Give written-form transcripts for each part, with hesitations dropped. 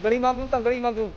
ਤੰਗੜੀ ਮੰਗੂ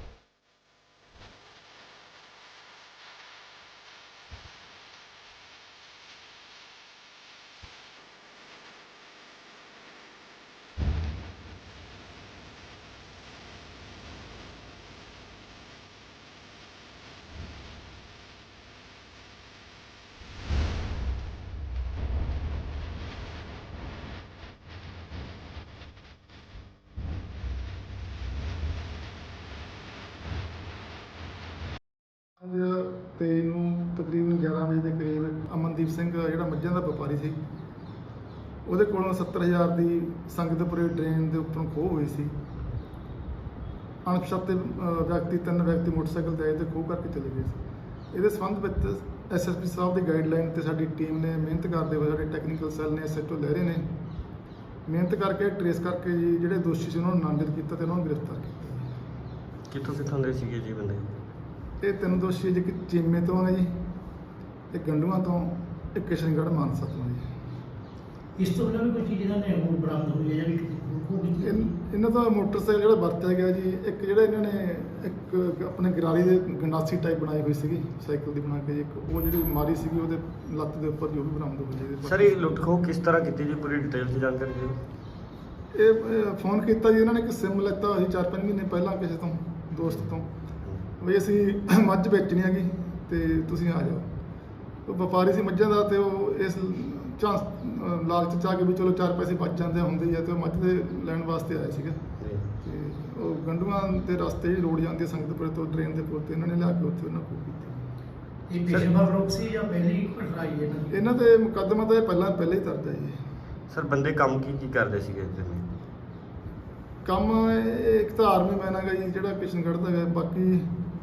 ਤੇ ਨੂੰ ਤਕਰੀਬਨ 11 ਵਜੇ ਦੇ ਕਰੀਬ ਅਮਨਦੀਪ ਸਿੰਘ ਜਿਹੜਾ ਮੱਝਾਂ ਦਾ ਵਪਾਰੀ ਸੀ, ਉਹਦੇ ਕੋਲੋਂ 70,000 ਦੀ ਸੰਗਤਪੁਰੇ ਡਰੇਨ ਦੇ ਉੱਪਰੋਂ ਖੋਹ ਹੋਈ ਸੀ। ਅਣਪਛਾਤੇ ਵਿਅਕਤੀ 3 ਵਿਅਕਤੀ ਮੋਟਰਸਾਈਕਲ ਤੇ ਆਏ ਤੇ ਖੋਹ ਕਰਕੇ ਚਲੇ ਗਏ ਸੀ। ਇਹਦੇ ਸੰਬੰਧ ਵਿੱਚ ਐਸਐਸਪੀ ਸਾਹਿਬ ਦੀ ਗਾਈਡਲਾਈਨ ਤੇ ਸਾਡੀ ਟੀਮ ਨੇ ਮਿਹਨਤ ਕਰਦੇ ਹੋਏ, ਸਾਡੇ ਟੈਕਨੀਕਲ ਸੈੱਲ ਨੇ, ਐਸਐਚਓ ਲਹਿਰੇ ਨੇ ਮਿਹਨਤ ਕਰਕੇ ਟਰੇਸ ਕਰਕੇ ਜੀ ਜਿਹੜੇ ਦੋਸ਼ੀ ਸੀ ਉਹਨਾਂ ਨੂੰ ਨਾਮਜ਼ਦ ਕੀਤਾ ਤੇ ਉਹਨਾਂ ਨੂੰ ਗ੍ਰਿਫਤਾਰ ਕੀਤਾ। ਕਿੱਥੋਂ ਦੇ ਸੀਗੇ ਜੀ ਬੰਦੇ? ਇਹ 3 ਦੋਸ਼ੀ ਜੀ, ਇੱਕ ਚੀਮੇ ਤੋਂ ਹੈ ਜੀ, ਇੱਕ ਗੰਡੂਆਂ ਤੋਂ, ਇੱਕ ਕਿਸ਼ਨਗੜ੍ਹ ਮਾਨਸਾ ਤੋਂ ਜੀ। ਇਸ ਤੋਂ ਪਹਿਲਾਂ ਵੀ ਕੋਈ ਚੀਜ਼ ਇਹਨਾਂ ਨੇ ਹੋਰ ਬਰਾਮਦ ਹੋਈ ਹੈ ਜਾਂ ਵੀ ਇਹਨਾਂ ਦਾ ਮੋਟਰਸਾਈਕਲ ਜਿਹੜਾ ਵਰਤਿਆ ਗਿਆ ਜੀ, ਇੱਕ ਜਿਹੜਾ ਇਹਨਾਂ ਨੇ ਇੱਕ ਆਪਣੇ ਗਰਾਰੀ ਦੇ ਗੰਡਾਸੀ ਟਾਈਪ ਬਣਾਈ ਹੋਈ ਸੀਗੀ ਸਾਈਕਲ ਦੀ ਬਣਾ ਕੇ ਜੀ, ਇੱਕ ਉਹ ਜਿਹੜੀ ਮਾਰੀ ਸੀਗੀ ਉਹਦੇ ਲੱਤ ਦੇ ਉੱਪਰ ਜੋ ਵੀ ਬਰਾਮਦ ਹੋਈ ਜੀ। ਸਰ ਇਹ ਲੁੱਟ ਖੋਹ ਕਿਸ ਤਰ੍ਹਾਂ ਕੀਤੀ ਜੀ, ਪੂਰੀ ਡਿਟੇਲ 'ਚ ਜਾਣਕਾਰੀ ਦਿਓ। ਇਹ ਫੋਨ ਕੀਤਾ ਜੀ ਇਹਨਾਂ ਨੇ, ਇੱਕ ਸਿਮ ਲੈਤਾ ਹੋਇਆ ਸੀ 4-5 ਮਹੀਨੇ ਪਹਿਲਾਂ ਕਿਸੇ ਤੋਂ, ਦੋਸਤ ਤੋਂ, ਵੀ ਅਸੀਂ ਮੱਝ ਵੇਚਣੀ ਹੈਗੀ ਤੇ ਤੁਸੀਂ ਆ ਜਾਓ। ਉਹ ਵਪਾਰੀ ਸੀ ਮੱਝਾਂ ਦਾ ਤੇ ਉਹ ਇਸ ਚਾਂਸ ਲਾਲਚ 'ਚ ਆ ਕੇ ਵੀ ਚਲੋ 4 ਪੈਸੇ ਬਚ ਜਾਂਦੇ ਹੁੰਦੇ ਹੀ ਆ, ਤੇ ਉਹ ਮੱਝ ਦੇ ਲੈਣ ਵਾਸਤੇ ਆਏ ਸੀਗੇ। ਤੇ ਉਹ ਗੰਡੂਆਂ ਦੇ ਰਸਤੇ ਹੀ ਰੋਡ ਜਾਂਦੀ ਹੈ ਸੰਗਤਪੁਰੇ ਤੋਂ ਡਰੇਨ ਦੇ ਪੁਲ ਤੇ, ਇਹਨਾਂ ਨੇ ਲਿਆ ਕੇ ਉੱਥੇ ਉਹਨਾਂ ਕੋਲ ਕੀਤੀ। ਇਹ ਪੇਸ਼ੇਵਰ ਰੋਕ ਸੀ ਜਾਂ ਪਹਿਲੀ ਘਟਨਾ ਹੀ ਹੈ ਇਹਨਾਂ ਤੇ ਮੁਕੱਦਮਾ ਤਾਂ ਇਹ ਪਹਿਲਾਂ ਹੀ ਦਰਜ ਹੈ ਜੀ। ਸਰ ਬੰਦੇ ਕੰਮ ਕੀ ਕਰਦੇ ਸੀਗੇ ਇਸ ਦਿਨ? ਕੰਮ ਇੱਕ ਤਾਂ ਆਰਮੀ ਮੈਨ ਹੈਗਾ ਜੀ ਜਿਹੜਾ ਕਿਸ਼ਨਗੜ੍ਹ ਦਾ ਹੈ, ਬਾਕੀ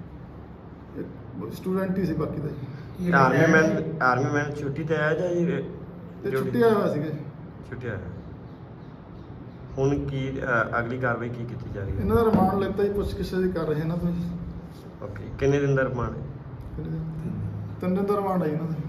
ਸਟੂਡੈਂਟ ਹੀ ਸੀ ਬਾਕੀ ਦਾ ਜੀ। ਆਰਮੀ ਮੈਨ ਛੁੱਟੀ ਤੇ ਆਇਆ ਜਾਂ ਜੀ? ਤੇ ਛੁੱਟੀ ਆਇਆ ਹੋਇਆ ਸੀਗੇ। ਛੁੱਟੀ ਆਇਆ। ਹੁਣ ਕੀ ਅਗਲੀ ਕਾਰਵਾਈ ਕੀ ਕੀਤੀ ਜਾ ਰਹੀ ਹੈ? ਇਹਨਾਂ ਦਾ ਰਿਮਾਂਡ ਲੈਤਾ ਜੀ, ਪੁੱਛਗਿੱਛ ਦੀ ਕਰ ਰਹੇ ਇਹਨਾਂ ਤੋਂ ਜੀ। ਓਕੇ, ਕਿੰਨੇ ਦਿਨ ਦਾ ਰਿਮਾਂਡ ਹੈ? 3 ਦਿਨ ਦਾ ਰਿਮਾਂਡ ਹੈ ਇਹਨਾਂ ਦਾ।